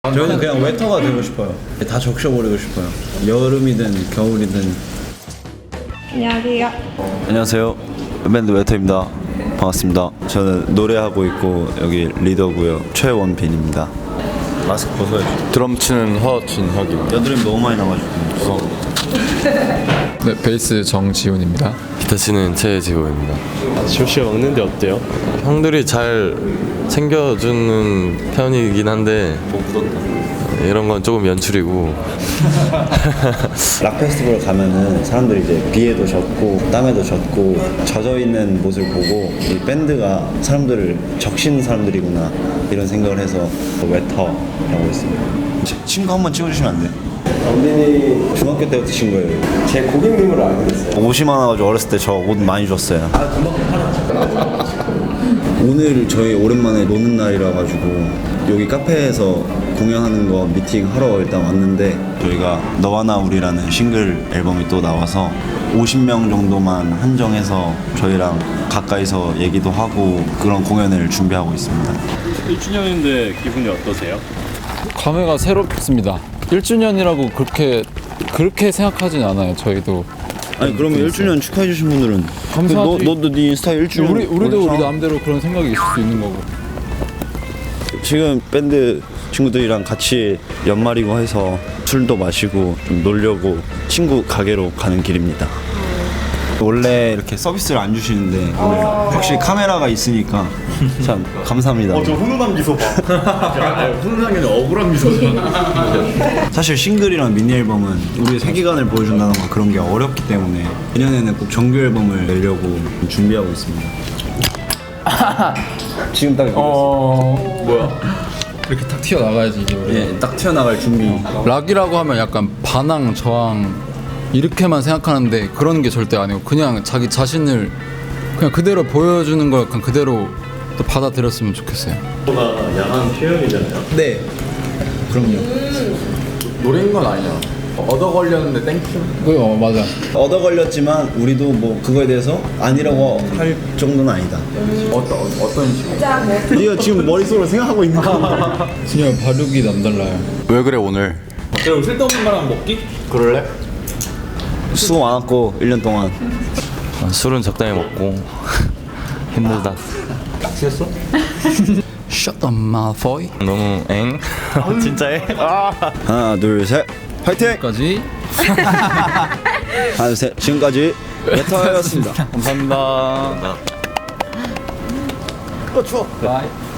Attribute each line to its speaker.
Speaker 1: 저희는 그냥 웨터가 되고 싶어요. 다 적셔버리고 싶어요. 여름이든 겨울이든.
Speaker 2: 안녕하세요.
Speaker 1: 안녕하세요. 밴드 웨터입니다. 반갑습니다. 저는 노래하고 있고 여기 리더고요. 최원빈입니다. 마스크 벗어야죠.
Speaker 3: 드럼 치는 허진혁입니다.
Speaker 1: 여드름 너무 많이 나가지고 무서워.
Speaker 4: 네, 베이스 정지훈입니다.
Speaker 3: 기타 치는 최재호입니다.
Speaker 5: 조시가 먹는데 어때요?
Speaker 3: 형들이 잘 챙겨주는 편이긴 한데 이런 건 조금 연출이고.
Speaker 1: 락 페스티벌 가면은 사람들이 이제 비에도 젖고 땀에도 젖고 젖어 있는 모습을 보고 이 밴드가 사람들을 적신 사람들이구나 이런 생각을 해서 웨터라고 했습니다. 친구 한번 찍어주시면 안 돼? 원빈이 중학교 때부터 친구예요.
Speaker 5: 제 고객님으로 알고 있어요.
Speaker 1: 옷이 많아가지고 어렸을 때 저 옷 많이 줬어요. 오늘 저희 오랜만에 노는 날이라 가지고 여기 카페에서 공연하는 거 미팅 하러 일단 왔는데 저희가 너와 나 우리라는 싱글 앨범이 또 나와서 50명 정도만 한정해서 저희랑 가까이서 얘기도 하고 그런 공연을 준비하고 있습니다.
Speaker 5: 1주년인데 기분이 어떠세요?
Speaker 4: 감회가 새롭습니다. 1주년이라고 그렇게 생각하진 않아요. 저희도.
Speaker 1: 아니 그러면 1주년 축하해 주신 분들은
Speaker 4: 감사하지.
Speaker 1: 너도 네 인스타 1주년
Speaker 4: 우리도 우리 마음대로 그런 생각이 있을 수 있는 거고.
Speaker 1: 지금 밴드 친구들이랑 같이 연말이고 해서 술도 마시고 좀 놀려고 친구 가게로 가는 길입니다. 원래 이렇게 서비스를 안 주시는데 오늘 확실히 카메라가 있으니까 참 감사합니다.
Speaker 5: 저 훈훈한 미소 봐. 훈훈한 게 아니라 억울한 미소잖아.
Speaker 1: 사실 싱글이랑 미니 앨범은 우리의 세계관을 보여준다는 거 그런 게 어렵기 때문에 내년에는 꼭 정규 앨범을 내려고 준비하고 있습니다. 지금 딱
Speaker 4: 이렇게 탁 튀어나가야지 이게.
Speaker 1: 예, 딱 튀어나갈 준비.
Speaker 4: 락이라고 하면 약간 반항, 저항 이렇게만 생각하는데 그런 게 절대 아니고 그냥 자기 자신을 그냥 그대로 보여주는 걸 약간 그대로 또 받아들였으면 좋겠어요.
Speaker 5: 가 야한 표현이잖아요.
Speaker 1: 네. 그럼요.
Speaker 4: 노래인 건 아니야. 얻어 걸렸는데 땡큐. 맞아.
Speaker 1: 얻어 걸렸지만 우리도 뭐 그거에 대해서 아니라고 할 정도는 아니다.
Speaker 4: 어떤 식으로?
Speaker 1: 네가 지금 머릿속으로 생각하고 있는 거.
Speaker 4: 그냥 발육이 남달라요.
Speaker 3: 왜 그래 오늘?
Speaker 5: 그럼 쓸데없는 말랑 먹기?
Speaker 3: 그럴래?
Speaker 1: 수고 많았고 1년 동안.
Speaker 3: 술은 적당히 먹고 힘들다.
Speaker 4: Shut the mouth, boy.
Speaker 3: 너무 엥? 진짜해?
Speaker 1: 하나 둘 셋 화이팅!
Speaker 4: 까지.
Speaker 1: 하나 둘 셋 지금까지 웨터였습니다.
Speaker 4: 감사합니다.
Speaker 1: 추워.
Speaker 4: 바이.